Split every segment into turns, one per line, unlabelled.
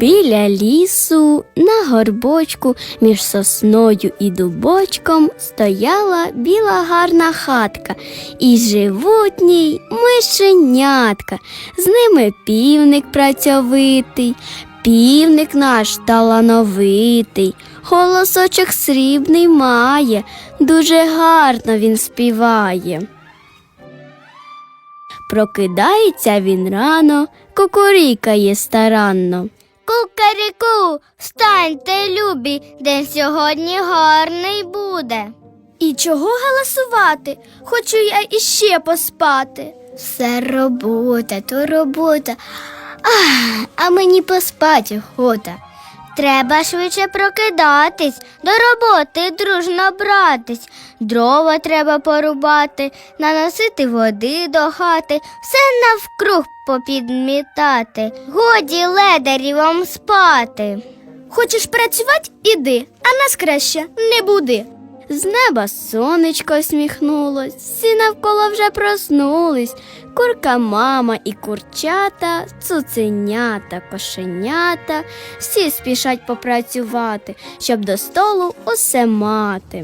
Біля лісу на горбочку між сосною і дубочком стояла біла гарна хатка, і живуть в ній мишенятка. З ними півник працьовитий, півник наш талановитий, голосочок срібний має, дуже гарно він співає. Прокидається він рано, кукурікає старанно.
Кукаріку, встаньте, любі, день сьогодні гарний буде.
І чого галасувати? Хочу я іще поспати.
Все робота, то робота, а мені поспать охота. Треба швидше прокидатись, до роботи дружно братись. Дрова треба порубати, наносити води до хати, все навкруг попідмітати. Годі ледарі вам спати.
Хочеш працювати? Іди, а нас краще не буди. З неба сонечко всміхнулось, всі навколо вже проснулись. Курка мама і курчата, цуценята, кошенята, всі спішать попрацювати, щоб до столу усе мати.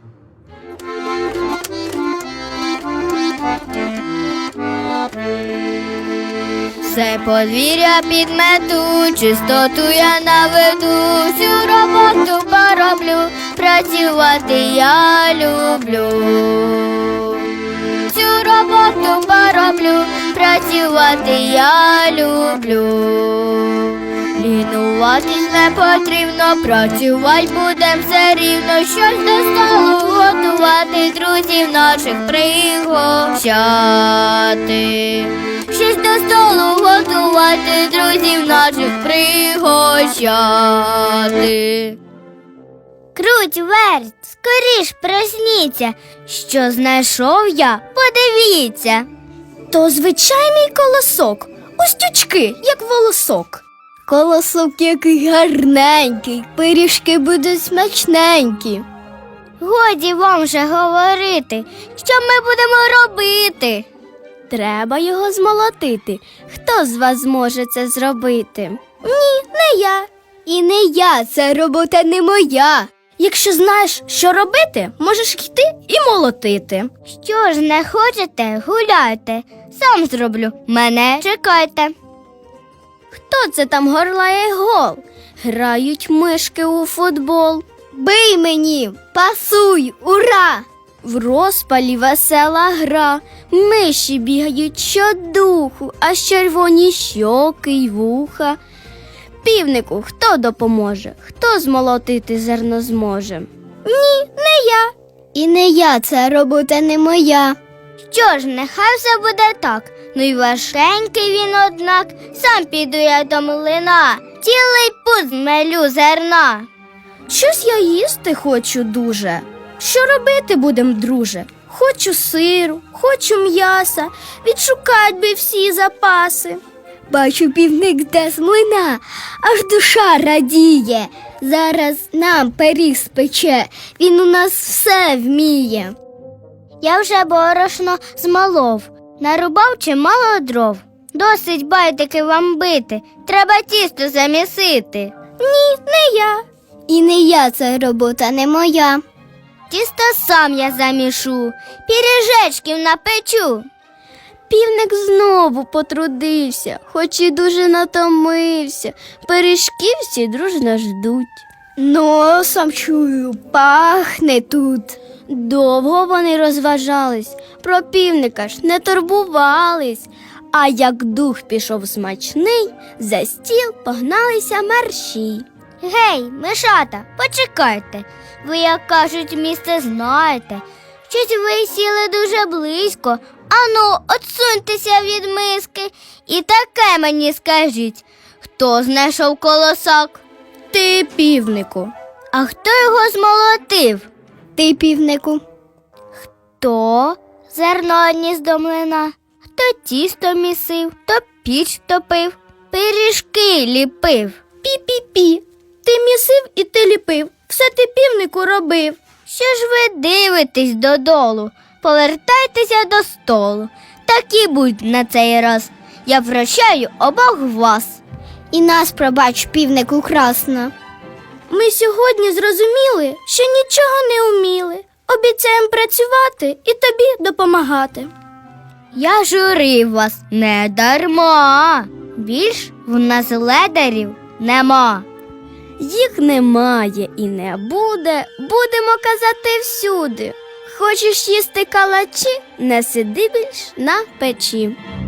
Все подвір'я підмету, чистоту я наведу, всю роботу пороблю, працювати я люблю. Всю роботу пороблю, працювати я люблю. Лінуватись не потрібно, працювать будем все рівно, щось до столу готувати, друзів наших пригощати. Щось до столу готувати, друзів наших пригощати. Круть, верть, скоріш просніться, що знайшов я, подивіться.
То звичайний колосок, устючки, як волосок. Колосок який гарненький, пиріжки будуть смачненькі.
Годі вам же говорити, що ми будемо робити.
Треба його змолотити. Хто з вас зможе це зробити? Ні, не я. І не я, це робота не моя. Якщо знаєш, що робити, можеш йти і молотити.
Що ж не хочете, гуляйте, сам зроблю, мене чекайте.
Хто це там горлає гол? Грають мишки у футбол. Бий мені, пасуй, ура! В розпалі весела гра, миші бігають щодуху, аж червоні щоки й вуха. Півнику, хто допоможе? Хто змолотити зерно зможе? Ні, не я.
І не я, це робота не моя. Що ж, нехай все буде так, ну й важкенький він, однак, сам піду я до млина, цілий пуд змелю зерна.
Щось я їсти хочу дуже. Що робити будем, друже? Хочу сиру, хочу м'яса, відшукать би всі запаси.
Бачу, півник йде з млина, аж душа радіє. Зараз нам пиріг спече, він у нас все вміє. Я вже борошно змолов, нарубав чимало дров. Досить байдики вам бити, треба тісто замісити.
Ні, не я.
І не я, це робота не моя. Тісто сам я замішу, піріжечків напечу.
Півник знову потрудився, хоч і дуже натомився. Пиріжки всі дружно ждуть.
Носом чую, пахне тут.
Довго вони розважались, про півника ж не турбувались. А як дух пішов смачний, за стіл погналися мерщій.
Гей, мишата, почекайте, ви, як кажуть, місце знаєте. Щось ви сіли дуже близько, ану, отсуньтеся від миски. І таке мені скажіть, хто знайшов колосок?
Ти, півнику.
А хто його змолотив?
Ти, півнику.
Хто зерно одніс до млина, хто тісто місив, то піч топив, пиріжки ліпив.
Пі-пі-пі. Ти місив і ти ліпив, все ти, півнику, робив.
Що ж ви дивитесь додолу? Повертайтеся до столу. Так і будь на цей раз. Я прощаю обох вас. І нас, пробач, півнику красно. Ми сьогодні зрозуміли, що нічого не вміли. Обіцяємо працювати і тобі допомагати.
Я журив вас не дарма. Більш в нас ледарів нема. Їх немає і не буде, будемо казати всюди. Хочеш їсти калачі, не сиди більш на печі.